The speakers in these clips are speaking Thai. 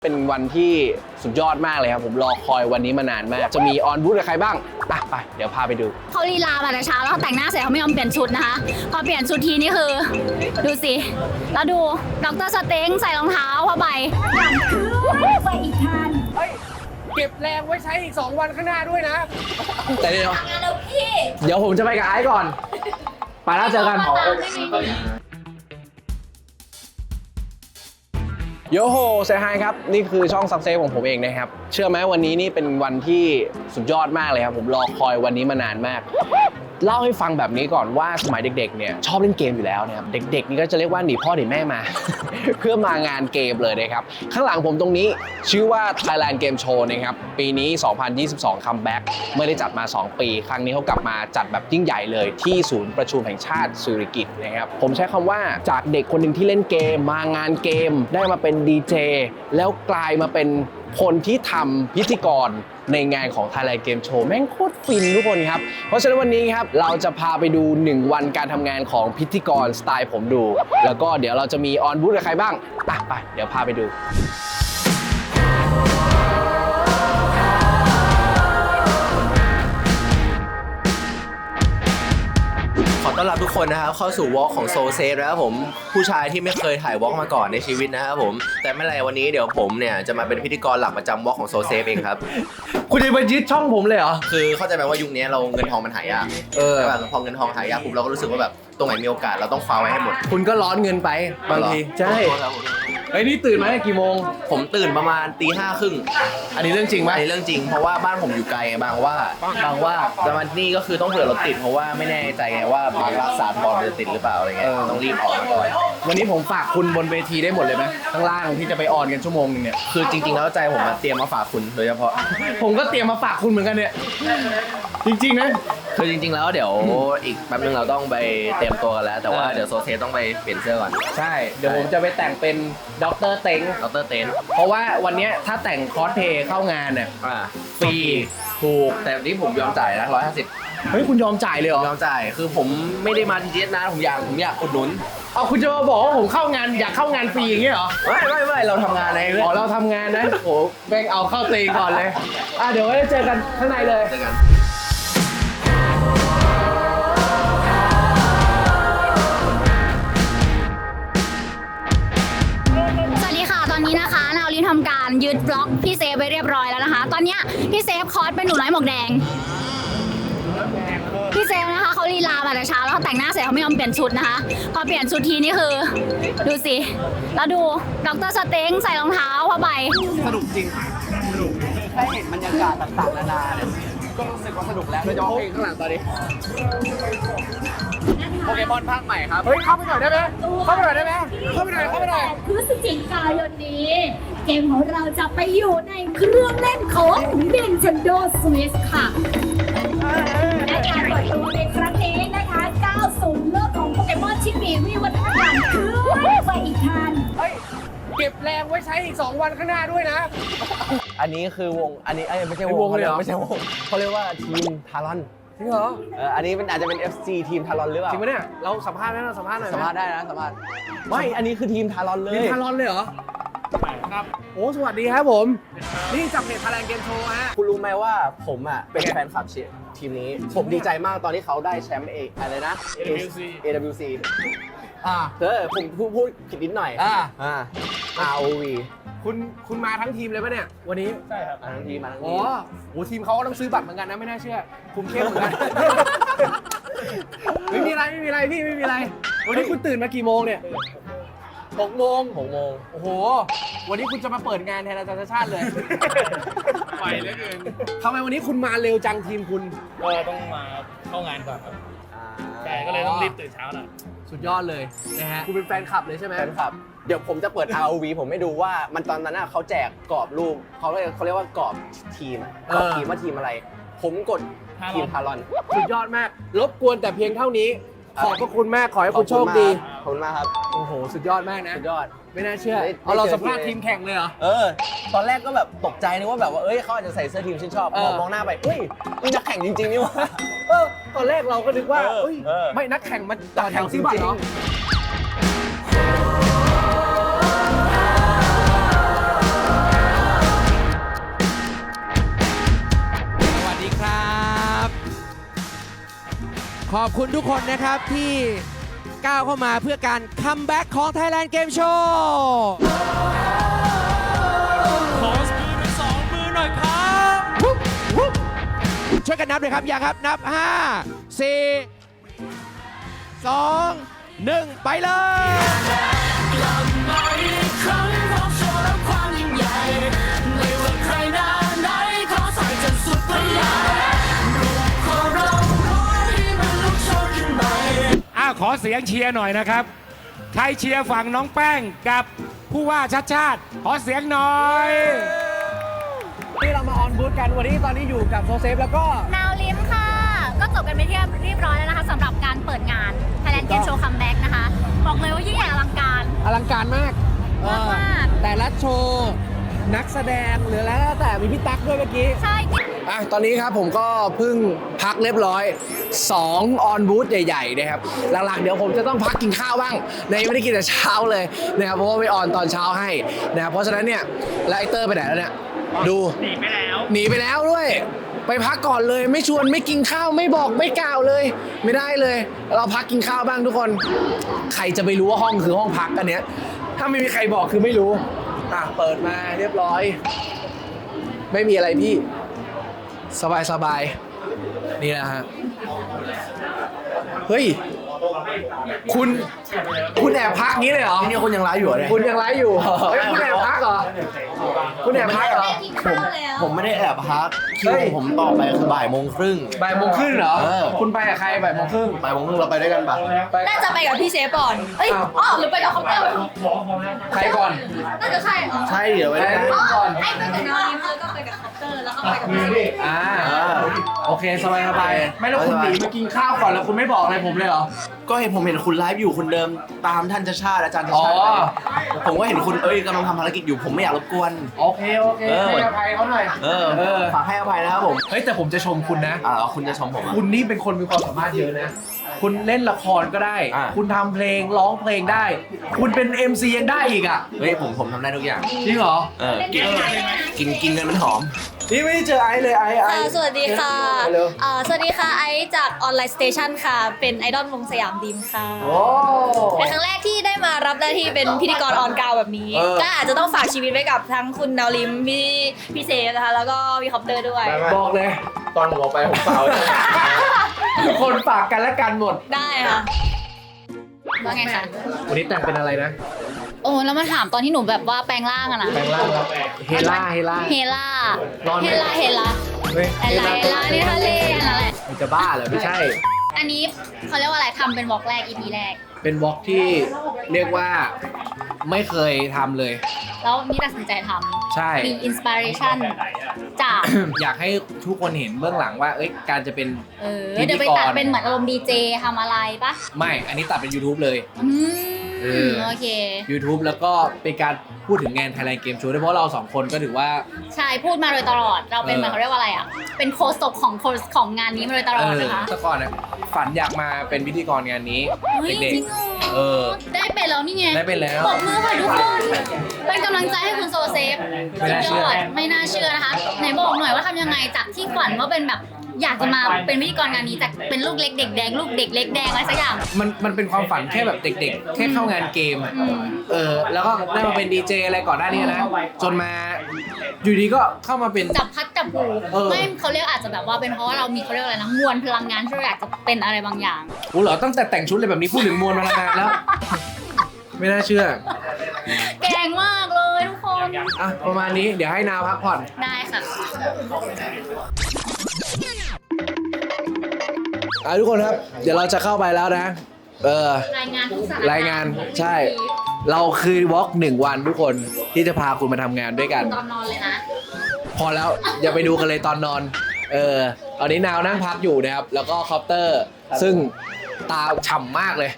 เป็นวันที่สุดยอดมากเลยครับผมรอคอยวันนี้มานานมากจะมีออนบูธกับใครบ้างไปเดี๋ยวพาไปดูเขาลีลามาแต่เช้าแล้วแต่งหน้าเสร็จเขาไม่ยอมเปลี่ยนชุดนะคะพอเปลี่ยนชุดทีนี่คือดูสิแล้วดูดร.สเต็งใส่รองเท้าผ้าใบไปอีกทันเก็บแรงไว้ใช้อีก2วันข้างหน้าด้วยนะแต่เดี๋ยวผมจะไปกับไอซ์ก่อนไปแล้วเจอกันโยโฮเซฮายครับนี่คือช่องซักเซสของผมเองนะครับเชื่อไหมวันนี้นี่เป็นวันที่สุดยอดมากเลยครับผมรอคอยวันนี้มานานมากเล่าให้ฟังแบบนี้ก่อนว่าสมัยเด็กๆเนี่ยชอบเล่นเกมอยู่แล้วนะครับเด็กๆนี่ก็จะเรียกว่าหนีพ่อหนีแม่มา เพื่อมางานเกมเลยนะครับข้างหลังผมตรงนี้ชื่อว่า Thailand Game Show นะครับปีนี้ 2022 คัมแบ็กไม่ได้จัดมา 2 ปีครั้งนี้เขากลับมาจัดแบบยิ่งใหญ่เลยที่ศูนย์ประชุมแห่งชาติสุริกิตนะครับผมใช้คำว่าจากเด็กคนหนึ่งที่เล่นเกมมางานเกมได้มาเป็นดีเจแล้วกลายมาเป็นคนที่ทำพิธีกรในงานของ Thailand Game Show แม่งโคตรฟินทุกคนครับเพราะฉะนั้นวันนี้ครับเราจะพาไปดู1วันการทำงานของพิธีกรสไตล์ผมดูแล้วก็เดี๋ยวเราจะมีออนบูธกับใครบ้างไปเดี๋ยวพาไปดูขอต้อนรับทุกคนนะครับเข้าสู่วอล์กของโซเซฟนะครับผมผู้ชายที่ไม่เคยถ่ายวอล์กมาก่อนในชีวิตนะครับผมแต่ไม่เป็นไรวันนี้เดี๋ยวผมเนี่ยจะมาเป็นพิธีกรหลักประจำวอล์กของโซเซฟเองครับคุณจะมายึดช่องผมเลยเหรอคือเข้าใจไหมว่ายุคนี้เราเงินทองมันหายากแต่แบบพอเงินทองหายากปุ๊บเราก็รู้สึกว่าแบบตรงไหนมีโอกาสเราต้องคว้าไว้ให้หมดคุณก็ร้อนเงินไปบางทีใช่ไอ้นี่ตื่นมากี่โมงผมตื่นประมาณตี 5:30 อันนี้เรื่องจริงไหมอันนี้เรื่องจริงเพราะว่าบ้านผมอยู่ไกลบางว่าแต่มันนี่ก็คือต้องเผื่อรถติดเพราะว่าไม่แน่ใจไงว่าบางรักษาพรจะติดหรือเปล่าอะไรเงี้ยต้องรีบออกมาก่อนวันนี้ผมฝากคุณบนเวทีได้หมดเลยไหมข้างล่างที่จะไปออนกันชั่วโมงนึงเนี่ยคือจริงๆแล้วใจผมมาเตรียมมาฝากคุณโดยเฉพาะผมก็เตรียมมาฝากคุณเหมือนกันเนี่ยจริงๆนะคือจริงๆแล้วเดี๋ยวอีกแป๊บนึงเราต้องไปเตรียมตัวกันแล้วแต่ว่าเดี๋ยวโซเซต้องไปเปลี่ยนเสื้อก่อนใช่เดี๋ยวผมจะไปแต่งเป็นดร.เต็งเพราะว่าวันนี้ถ้าแต่งคอสเพลย์เข้างานเนี่ยฟรีถูกแต่นี่ผมยอมจ่ายนะ150 เฮ้ยคุณยอมจ่ายเลยเหรอยอมจ่ายคือผมไม่ได้มาทีเดียวนะผมอยากอุดหนุนเอาคุณจะมาบอกว่าผมเข้างานอยากเข้างานฟรีอย่างเงี้ยเหรอไม่เราทำงานอะไรอ๋อเราทำงานนะโอ้แบ่งเอาเข้าตีก่อนเลยเดี๋ยวไว้เจอกันข้างในเลยเจอกันทำการยึดบล็อกพี่เซฟไปเรียบร้อยแล้วนะคะตอนนี้พี่เซฟคอสเป็นหนูน้อยหมวกแดงพี่เซฟนะคะเขาลีลามาแต่เช้าแล้วแต่งหน้าเสร็จเขาไม่ยอมเปลี่ยนชุดนะคะพอเปลี่ยนชุดทีนี่คือดูสิแล้วดูดร.สเต็งใส่รองเท้าผ้าใบสนุกจริงสนุกแค่เห็นบรรยากาศต่างๆนานาเนี่ยก็รู้สึกว่าสนุกแล้วโดยเฉพาะเพลงข้างหลังตอนนี้โปเกมอนภาคใหม่ครับเฮ้ยเข้าไปหน่อยได้ไหมเข้าไปหน่อยพฤศจิกายนนี้เกมของเราจะไปอยู่ในเครื่องเล่นของ Nintendo Switch ค่ะและการเปิดตัวในครั้งนี้นะคะก้าวสู่โลกของโปเกมอนที่มีวิวัฒนาการคือไปอีกทันเก็บแรงไว้ใช้อีก2วันข้างหน้าด้วยนะอันนี้คือวงอันนี้ไม่ใช่วงเลยไม่ใช่วงเขาเรียกว่าทีมทารอนจริงเหรออันนี้มันอาจจะเป็น FC ทีมทารอนหรือเปล่าจริงไหมเนี่ยเราสัมภาษณ์ไหมเราสัมภาษณ์หน่อยสัมภาษณ์ได้นะสัมภาษณ์ไม่อันนี้คือทีมทารอนเลยทีมทารอนเลยเหรอครับโอ้สวัสดีครับผมนี่จากเพจ Thailand Game Show ฮะคุณรู้ไหมว่าผมเป็นแฟนคลับทีมนี้ผมดีใจมากตอนที่เขาได้แชมป์อะไรนะ AWC ผมพูดผิดนิดหน่อยROV คุณมาทั้งทีมเลยปะเนี่ยวันนี้ใช่ครับมาทั้งทีมอ๋อโหทีมเขาก็ต้องซื้อบัตรเหมือนกันนะไม่น่าเชื่อคุมเข้มเหมือนกันไม่มีอะไรพี่ไม่มีอะไรวันนี้คุณตื่นมากี่โมงเนี่ย6 โมงโอ้โหวันนี้คุณจะมาเปิดงานแทนอาจารย์ชาติเลยไปเหลือเกินทำไมวันนี้คุณมาเร็วจังทีมคุณก็ต้องมาเข้างานก่อนครับใช่ก็เลยต้องรีบตื่นเช้าหน่อยสุดยอดเลยนะฮะคุณเป็นแฟนคลับเลยใช่ไหมแฟนคลับเดี๋ยวผมจะเปิด ROV ผมไม่ดูว่ามันตอนนั้นเขาแจกกรอบรูปเขาเรียกว่ากรอบทีมว่าทีมอะไรผมกดทีมทารอนสุดยอดมากรบกวนแต่เพียงเท่านี้ขอบพระคุณมากขอให้คุณโชคดีขอบคุณมากครับโอ้โหสุดยอดมากนะสุดยอดไม่น่าเชื่อเราสัมภาษณ์ทีมแข่งเลยเหรอตอนแรกก็แบบตกใจนึกว่าแบบว่าเขาอาจจะใส่เสื้อทีมชื่นชอบมองหน้าไปนี่นักแข่งจริงๆนี่วะตอนแรกเราก็นึกว่าไม่นักแข่งมาต่อแถวซื้อบัตรเหรอขอบคุณทุกคนนะครับที่ก้าวเข้ามาเพื่อการคัมแบ็กของ Thailand Game Show ขอมือเป็น2 มือหน่อยครับช่วยกันนับเลยครับ อย่าครับ นับ 5 4 2 1 ไปเลยขอเสียงเชียร์หน่อยนะครับ ใครเชียร์ฝั่งน้องแป้งกับผู้ว่าชัดชาติ ขอเสียงหน่อยที่เรามาออนบูธกันวันนี้ตอนนี้อยู่กับโซเซฟแล้วก็นาวลิมค่ะ ก็จบกันไปที่เรียบร้อยแล้วนะคะสำหรับการเปิดงาน Thailand Game Show Comeback นะคะ บอกเลยว่ายิ่งใหญ่อลังการอลังการมากมากแต่ละโชว์นักแสดงหรือแล้วแต่มีพี่ตั๊กด้วยเมื่อกี้ใช่ตอนนี้ครับผมก็เพิ่งพักเรียบร้อย2ออนบูธใหญ่ๆนะครับหลังๆเดี๋ยวผมจะต้องพักกินข้าวบ้างในไม่ได้กินแต่เช้าเลยนะครับเพราะว่าไปออนตอนเช้าให้นะครับเพราะฉะนั้นเนี่ยแล้วไอเตอร์ไปไหนแล้วเนี่ยดูหนีไปแล้วด้วยไปพักก่อนเลยไม่ชวนไม่กินข้าวไม่บอกไม่กล่าวเลย ไม่ได้เลย เราพักกินข้าวบ้างทุกคนใครจะไปรู้ว่าห้องคือห้องพักกันเนี้ยถ้าไม่มีใครบอกคือไม่รู้เปิดมาเรียบร้อยไม่มีอะไรพี่สบายๆนี่นะฮะเฮ้ยคุณแอบพักงี้เลยเหรอนี่คุณยังไลฟ์อยู่เนี่ยคุณยังไลฟ์อยู่เฮ้ยคุณแอบพักเหรอคุณแอบพักเหรอกินข้าวแล้วผมไม่ได้แอบพักคิวเฮ้ยผมต่อไปคือบ่ายโมงครึ่งบ่ายโมงครึ่งเหรอเออคุณไปกับใครบ่ายโมงครึ่งบ่ายโมงครึ่งเราไปด้วยกันปะไปน่าจะไปกับพี่เซฟก่อน เอ้ย อ๋อ หรือไปกับคอปเตอร์ใครก่อนน่าจะใช่อ๋อใช่เดี๋ยวไปด้วยกันก่อนไอ้ไปกับนาวลิมแล้วก็ไปกับคอปเตอร์ แล้วก็ไปกับพี่เซฟโอเคสบายๆไม่แล้วคุณหนีมากินข้าวก่อนแล้วคุณไม่บอกอะไรผมเลยเหรอก็เห็นผมเห็นคุณไลฟ์อยู่คุณเดิมตามท่านชาติอาจารย์ชาติอ๋อผมก็เห็นคุณกำลังทำภารกิจอยู่ผมไม่อยากรบกวนโอเคให้อภัยเขาหน่อยฝากให้อภัยนะครับผมเฮ้ยแต่ผมจะชมคุณนะคุณจะชมผมอะคุณนี่เป็นคนมีความสามารถเยอะนะ คุณเล่นละครก็ได้อ่าคุณทำเพลงร้องเพลงได้ คุณเป็น MC ยังได้อีกอ่ะเฮ้ยผมทำได้ทุกอย่างจริงเหรอกินเงินมันหอมนี่ไม่ได้เจอไอซ์เลยไอซ์สวัสดีค่ะเร็วสวัสดีค่ะ ไอซ์จากออนไลน์สเตชันค่ะ เป็นไอดอลวงสยามดีมค่ะโอ้เป็นครั้งแรกที่ได้มารับหน้าที่เป็นพิธีกรออนกราวแบบนี้ ก็อาจจะต้องฝากชีวิตไว้กับทั้งคุณดาวลิมพี่เซฟนะคะ แล้วก็พี่คอปเตอร์ด้วยบอกเลยตอนผมออกไปผมเปล่าทุกคนฝากกันและกันหมดได้ค่ะว่าไงคะวันนี้แต่งเป็นอะไรนะโอ้แล้วมาถามตอนที่หนูแบบว่าแปลงร่างอะนะแปลงร่างครับเฮล่าเฮล่านอนไหมเฮล่าเฮ้ยเฮล่านี่ทะเลนั่นแหละมันจะบ้าเหรอไม่ใช่อันนี้เขาเรียกว่าอะไรทำเป็นวอล์กแรก EP แรกเป็นวอล์กที่เรียกว่าไม่เคยทำเลยแล้วนี่ตัดสินใจทใช่ำมีอินสปิเรชันจากอยากให้ทุกคนเห็นเบื้องหลังว่า การจะเป็นเดี๋ยวไปตัดเป็นเหมือนอารมณ์ดีเจทำอะไรปะไม่ อันนี้ตัดเป็น YouTube เลยโอเค YouTube แล้วก็เป็นการพูดถึงงาน Thailand Game Show ด้วยเพราะเราสองคนก็ถือว่าใช่พูดมาโดยตลอด เราเป็นเหมือนเขาเรียกว่าอะไรอ่ะ เป็นโคศกของงานนี้มาโดยตลอดนะคะแต่ก่อนเนี่ยฝันอยากมาเป็นพิธีกรงานนี้เฮ้ยเด็กจริงเหรๆอได้เป็นแล้วนี่ไงได้เป็นแล้วปรบมือค่ะทุกคน เป็นกำลังใจให้คุณโซเซฟไม่น่าเชื่อไม่น่าเชื่อนะคะ ไหนบอกหน่อยว่าทำยังไงจากที่ฝันว่าเป็นแบบอยากจะมาเป็นพิธีกรงานนี้จากเป็นลูกเล็กเด็กแดงลูกเด็กเล็กแดงอะไรสักอย่างมันเป็นความฝันแค่แบบเด็กๆ แค่เข้างานเกมอะแล้วก็ได้มาเป็นดีเจอะไรก่อนหน้านี้นะ จนมาอยู่ดีก็เข้ามาเป็นจับพัดจับผู ไม่เขาเรียกอาจจะแบบว่าเป็นเพราะว่าเรามีเขาเรียกอะไรนะมวลพลังงานที่เราอยากจะเป็นอะไรบางอย่างกูเหรอตั้งแต่แต่งชุดเลยแบบนี้พูดถึงมวลพลังงานแล้ว ไม่น่าเชื่อแกงมากเลยทุกคนอ่ะประมาณนี้เดี๋ยวให้นาวพักผ่อนได้ค่ะทุกคนครับ เดี๋ยวเราจะเข้าไปแล้วนะรายงานทุกสถานรายงานใช่ เราคือวอล์ก1 วันทุกคนที่จะพาคุณมาทำงานด้วยกันตอนนอนเลยนะพอแล้ว อย่าไปดูกันเลยตอนนอน ตอนนี้นาวนั่งพักอยู่นะครับ แล้วก็คอปเตอร์ ซึ่งตาฉ่ำมากเลย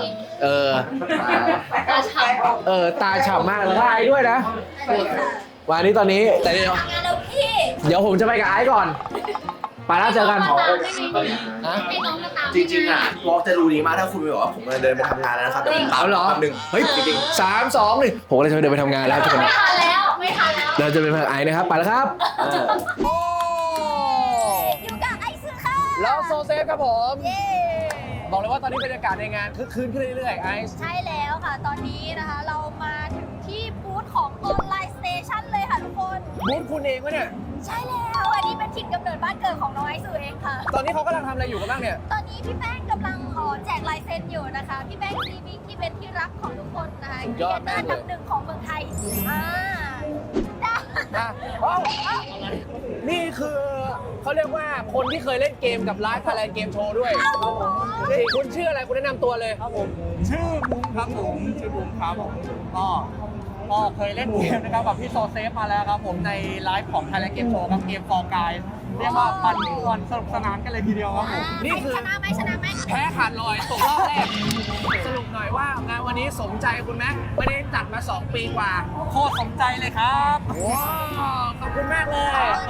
ตาฉ่ำมากแล้วก็ไอซ์ด้วยนะ วันนี้ตอนนี้แต่เดี๋ยวทำงานแล้วพี่ผมจะไปกับไอซ์ก่อน ไปแล้วเจอกันให้น้องมาตามจริงๆวอล์กจะรู้ดีมากถ้าคุณไปบอกว่าผมเดินไปทำงานแล้วนะครับแต่ผมตามเอาเหรอแป๊บนึงเฮ้ยจริงๆ3 2 1ผมก็เลยจะเดินไปทำงานแล้วทุกคนไม่ทันแล้วไม่ทันแล้วเราจะเป็นไอซ์นะครับ ไปแล้วครับอยู่กับไอซ์ค่ะแล้วโซเซฟครับผม บอกเลยว่าตอนนี้บรรยากาศในงานคึกคืนขึ้นเรื่อยๆไอซ์ใช่แล้วค่ะ ตอนนี้นะคะเรามาถึงที่บูธของออนไลน์สเตชันเลยค่ะทุกคนบูธคุณเองวะเนี่ยใช่แล้วอันนี้เป็นถิ่นกำเนิดบ้านเกิดของน้องไอซ์สื่อเองค่ะตอนนี้เขากำลังทำอะไรอยู่กันบ้างเนี่ยตอนนี้พี่แป้งกำลังแจกลายเซ็นอยู่นะคะ พี่แป้งซีบิ๊กที่เป็นที่รักของทุกคนนะคะสุดยอดมากเลยอันดับหนึ่งของเมืองไทยได้นะว้าวนี่คือเขาเรียกว่าคนที่เคยเล่นเกมกับไลฟ์ไทยแลนด์เกมโชว์ด้วยนี่คุณชื่ออะไรคุณแนะนำตัวเลยครับผมชื่อบุ้มครับผมชื่อบุ้มครับผมก็เคยเล่นเกมนะครับกับพี่โซเซฟมาแล้วครับผมในไลฟ์ของ Thailand Game Show ครับเกมฟอร์กายเรียกว่าปั่นป่วนสนุกสนานกันเลยทีเดียวครับผมนี่คือชนะไหมชนะไหมแพ้ขาดลอยตกรอบแรก สรุปหน่อยว่างานวันนี้สมใจคุณไหมไม่ได้จัดมา 2 ปีกว่าโคตรสมใจเลยครับว้าวขอบคุณมากเลย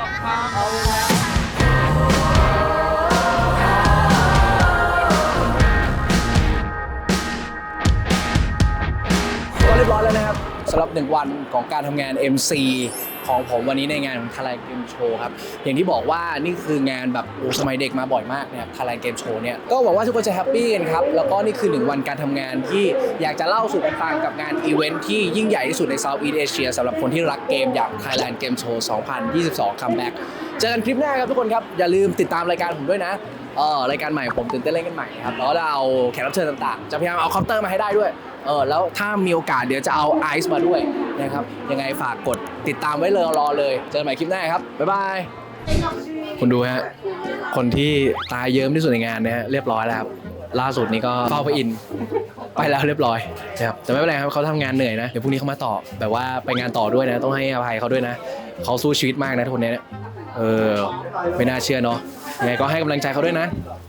ก็เรียบร้อยแล้วนะครับสำหรับ1 วันของการทำงาน MC ของผมวันนี้ในงานของ Thailand Game Show ครับอย่างที่บอกว่านี่คืองานแบบสมัยเด็กมาบ่อยมากนะครับ Thailand Game Show เนี่ยก็หวังว่าทุกคนจะแฮปปี้กันครับแล้วก็นี่คือ1 วันการทำงานที่อยากจะเล่าสู่กันฟังกับงานอีเวนท์ที่ยิ่งใหญ่ที่สุดใน Southeast Asia สำหรับคนที่รักเกมอย่าง Thailand Game Show 2022 Comeback เจอกันคลิปหน้าครับทุกคนครับอย่าลืมติดตามรายการผมด้วยนะรายการใหม่ผมตื่นเต้นเล่นกันใหม่ครับแล้วเราเอาแขกรับเชิญต่างๆจะพยายามเอาคอปเตอร์มาให้ได้ด้วยแล้วถ้ามีโอกาสเดี๋ยวจะเอาไอซ์มาด้วยนะครับยังไงฝากกดติดตามไว้เลยรอเลยเจอกันใหม่คลิปหน้าครับบ๊ายบายคุณดูฮะคนที่ตายเยิ้มที่สุดในงานนะฮะเรียบร้อยแล้วครับล่าสุดนี้ก็เข้าไปอินไปแล้วเรียบร้อยนะครับแต่ไม่เป็นไรครับเขาทำงานเหนื่อยนะเดี๋ยวพรุ่งนี้เขามาต่อแบบว่าไปงานต่อด้วยนะต้องให้อภัยเขาด้วยนะเขาสู้ชีวิตมากนะคนนี้เนี่ยไม่น่าเชื่อเนาะยังไงก็ให้กำลังใจเขาด้วยนะ